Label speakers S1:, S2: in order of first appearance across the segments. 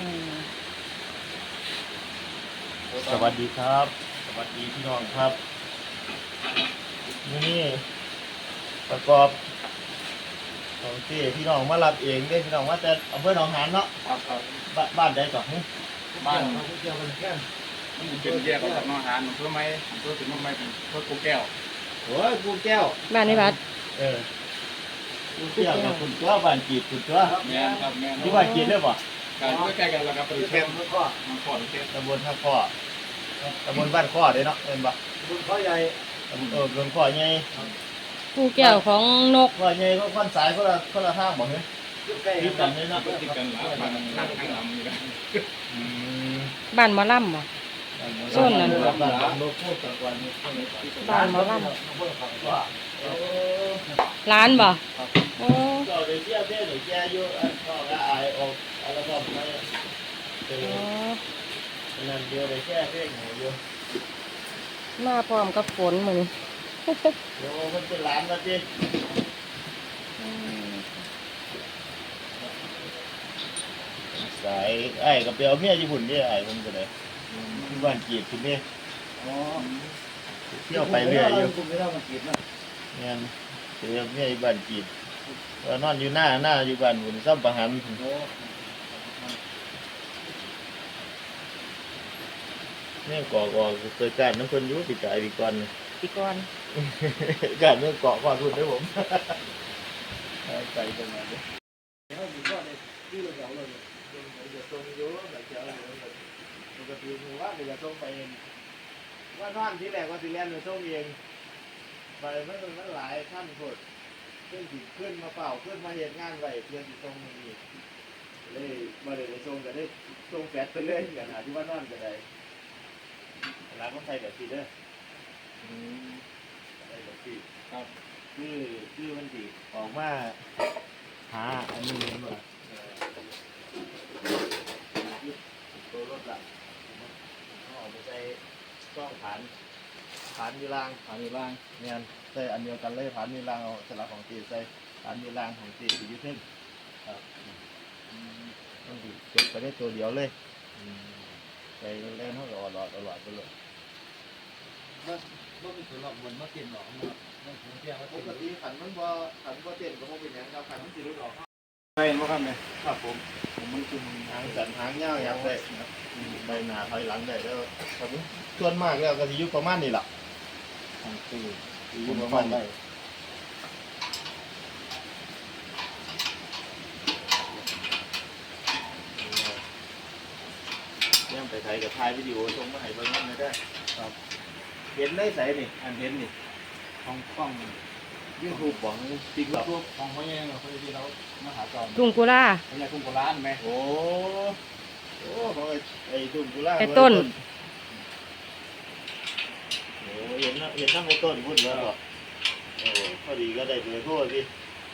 S1: สวัสดีครับสวัสดีพี่น้องครับนี่ประกอบของที่พี่น้องมารับเองได้พี่น้องว่าแต่อำเภอหนองหานเนาะ
S2: ครับ
S1: บ้านใดก่อน
S2: บ้านมันเกี่ยวกันแค่มันเป็นแยกออกจากน้องหานอำเภอไม้อำเภอถึงน้องไม้เป็นอำเภอกูแก้ว
S1: โอ้ยกูแก้ว
S3: บ้านในวัด
S1: กูแก้วกับคุณตัวบ้านจีบคุณตัว
S2: แม่ครับแม่
S1: ที่บ้านจีบได้ป่ะ
S2: การใกล้กันแล้วครับเป็นแค่มันข้อเทศ
S1: ตำบลท่าข้อตำบลบ้านข้อเด้เนาะเป็นป่ะ
S2: ตำบลข้อใหญ่
S1: ตำบลข้อใหญ่
S3: ผู้แก้วของนก
S1: ข้อใหญ่ก็ขั้นสายคนละทางบอกเนี่ยที่กันเลยเนาะ
S2: ที่กันหลายบ้านนั่งข้างหลังนี่นะ
S3: บ้านหมอลำบ่โซนนั้นบ้านหมอลำร้านบ่โอ้
S1: ก็เดี๋ยวเที่ยวเดี๋ยวแกอยู่ก็ละอายออกอะไรก็ไม่เป็นนั่นเดียวเลยแค่เพ่งอยู่
S3: มาพร้อมกับฝนมื้อนี้
S1: เดี๋ยวมันเป็นร้านมาดิสายไอ้กับเปียวเมียญี่ปุ่นนี่ไอ้ผมก็เลยที่บ้านจีบคุณนี่เที่ยวไปเรื่อยอยู่เนี่ยเปียวเมียบ้านจีบนอนอยู่หน้าอยู่บ้านหุ่นซ้ำประหันเนี่ยก่อเคยการน้ำคนยุ่ติดใจปีก่อนการเมื่อเกาะความทุนด้วยผมใจตรงนั้นตรงเยอะแบบเจ้าปกติคือว่าเดี๋ยวจะส่งไปว่านอนที่แรกว่าสิเรียนจะส่งเองไปมันหลายขั้นโคตรขึ้นมาเป่าขึ้นมาเห็นงานไว้เพื่อจะส่งนี่เลยมาเลยจะส่งก็ได้ส่งแฟดไปเรื่อยอย่างที่ว่านอนก็ได้ร้านต้องใส่แบบซีเด้อใส่แบบซีครับคือมันดีออกมาหาอันนี้เหมือนว่าตัวรถหลักเขาออกไปใส่กล้องผ่านมีรางเนี่ยใส่อันเดียวกันเลยผ่านมีรางเอาสลักของตีใส่ผ่านมีรางของตีอยู่ที่เส้นครับต้องดีเก็บไปได้ตัวเดียวเลยใส่เล่นเท่ากับอลอดไปเลย
S2: มันเป็นตัวหลอกเหมือนมาเปลี่ยนหลอกมันผมเที่ยวป
S1: กติขันมันบ่เต้นก็บ่เป็นอย่างครับขันมันสิรุดออก
S2: ไปเห็นว่าครับเนี่ย
S1: ครับผมมันคือหางสันหางเงาอย่างได้ใบหน้าถอยหลังได้แล้วครับส่วนมากแล้วก็สิอยู่ประมาณนี้ล่ะอยู่ประมาณนี้ยังไปถ่ายกับถ่ายวิดีโอส่งมาให้เบิ่งนั่นได้ครับเห็นได้ใส่นี่อันเห็นนี่
S2: ของกล้อง
S1: ยูทูบบอกติ๊กต็อก
S2: ของเขาเนี่ยเราเคยที่เรามาหาจอม
S3: ทุ่งกุลา
S2: เขาอยากทุ่งโบราณไหม
S1: โอ้ของไอ้ทุ่งกุลา
S3: ไอ้ต้น
S1: โอ้เห็นนั่งไอ้ต้นพูดแล้วหรอโอ้พอดีก็ได้เบอร์โทรสิ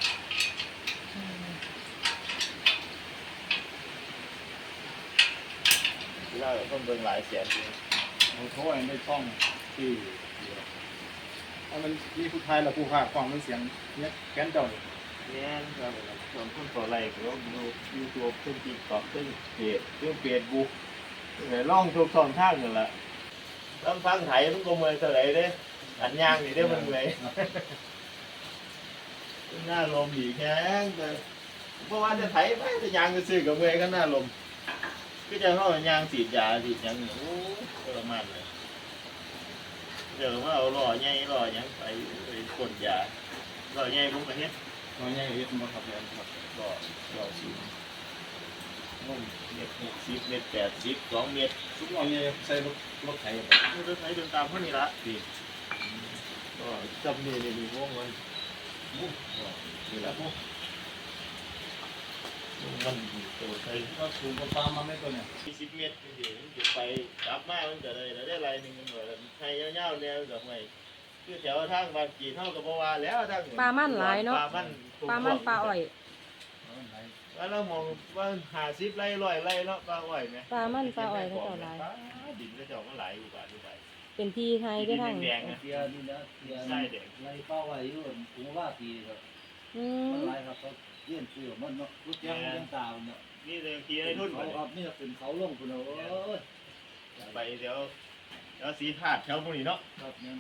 S1: กุลาต้องเบิ่งหลายแสน
S2: เขาโทรในช่องที่มันมีผู้ชายและผู้ฆ่าฟังเป็นเสียงเนี่ยแกนเจ้า
S1: เนี่ยครับส่วนคนต่อไลค์ก็ดูยูทูบขึ้นติ๊กต็อกขึ้นเฟซบุ๊กล่องทุกช่องทางนั่นแหละต้องฟังไทยมันก็เมืองเท่าไหร่เด้อันย่างนี่ได้มันเลยหน้าลมอีกแห้งแต่เพราะว่าจะไถไปจะยางจะซื้อกับเมืองก็หน้าลมก็จะเข้ายางสีดยาสีดยังโอ้ประมาณเลยเดี๋ยวว่าเอาหล่อใหญ่หล่อยังไปกดยาหล่อใหญ่ผมไปเนี้ย
S2: น้อยใหญ่เยอะมากครับเนี่ย
S1: ครับหล่อสีนุ่มเม็ด80 2 เม็ด
S2: ทุกน้อยใหญ่ใส่รถไถ
S1: รถไถเดินตามเท่านี้ละดีก็จำนี่มีวงมันนี่แหละมันตัวใส่
S2: ก็ถูกปลามาไม่ตัวเนี่ย
S1: 20 เมตรเดี๋ยวมันจะไปกลับมามันจะได้ไรหนึ่งเหมือนไทยยาวๆเนี่ยแบบไงคือแถวทางบางกีเท่ากับบัวแล้วทาง
S3: ปลามันหลายเนาะปลาอ้อย
S1: แล้วเรามองว่า50 ไร่100 ไร่เนาะปลาอ้อยไหม
S3: ปลาอ้อยเขาเจ้าหลาย
S1: ดินเขาเจ้าก็หลายอยู่บ้านอยู่ไป
S3: เป็นที่ไทยได้ทั้ง
S1: แดง
S4: เทียนี่นะเทียไล่เป้าไว้อยู่ผมว่าปีครับมันหลายครับเขาเลี้ยงซื้อมันเนาะรุ่นยังตาเนาะ
S1: นี่เลยขี่ให้รุ่น
S4: เขาครับนี่เป็นเขาลงคุณเอาโอ้ย
S1: ไปเดี๋ยวสีขาดแถวพวกนี้เนาะ
S4: ครับเนี่ย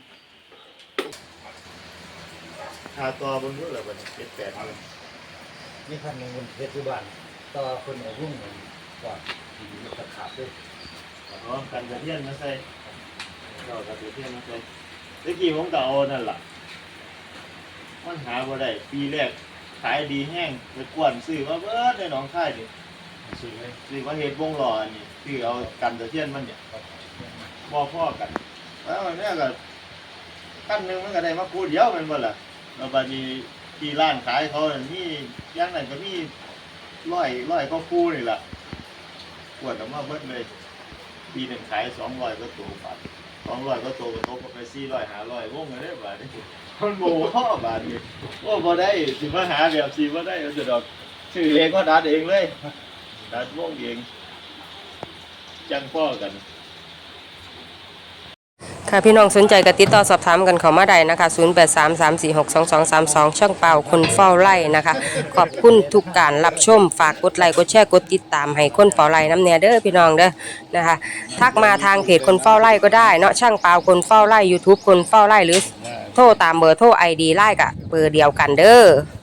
S1: ขาตัวบนนู้นเลยวันนี้7-8เลย
S4: นี่คันหนึ่งบนเพชรบ้านต่อคนเอารุ่งเหมือนก่อนที่จะขาดด้วย
S1: อ๋อกันกระเทียนมาใส่เรากันกระเทียนมาใส่เมื่อกี้ผมก็เอานั่นล่ะมันหาบ่ได้ปีแรกขายดีแห้งไปกวนซื้อมาเบิดในหนองคายดิ
S4: ซื้อเลย
S1: ซื้อมาเฮ็ดวงล้ออันนี้ซื้อเอากันกระเทียนมันเนี่ยบ่พอกันแล้วอันเนี้ยก็ขั้นหนึงมันก็ได้มาคู่เดียวแม่นบ่ล่ะแล้วบัดนี้ที่ร้านขายเขานั่นมีอย่างนั้นก็มีร้อยก็คู่นี่ล่ะกวดออกมาเบิดเลยปีหนึงขาย200ก็ตัวบาท200ก็ตัวก็ตกไป400 500วงเลยบาดนี้มันบ่พอบาดนี้โอ้บ่ได้สิมาหาแบบสิบ่ได้เอาแต่ดอกชื่อเองก็ดัดเองเลยดัดวงเองจังพ่อกัน
S3: ค่ะพี่น้องสนใจก็ติดต่อสอบถามกันเข้ามาได้นะคะ0833462232ช่องเป่าคนเฝ้าไร่นะคะขอบคุณทุกการรับชมฝากกดไลค์กดแชร์กดติดตามให้คนเฝ้าไร่น้ำเนียเด้อพี่น้องเด้อนะคะทักมาทางเพจคนเฝ้าไร่ก็ได้เนาะช่างเป่าคนเฝ้าไร่ YouTube คนเฝ้าไร่หรือโทรตามเบอร์โทร ID ไล่กับเบอร์เดียวกันเด้อ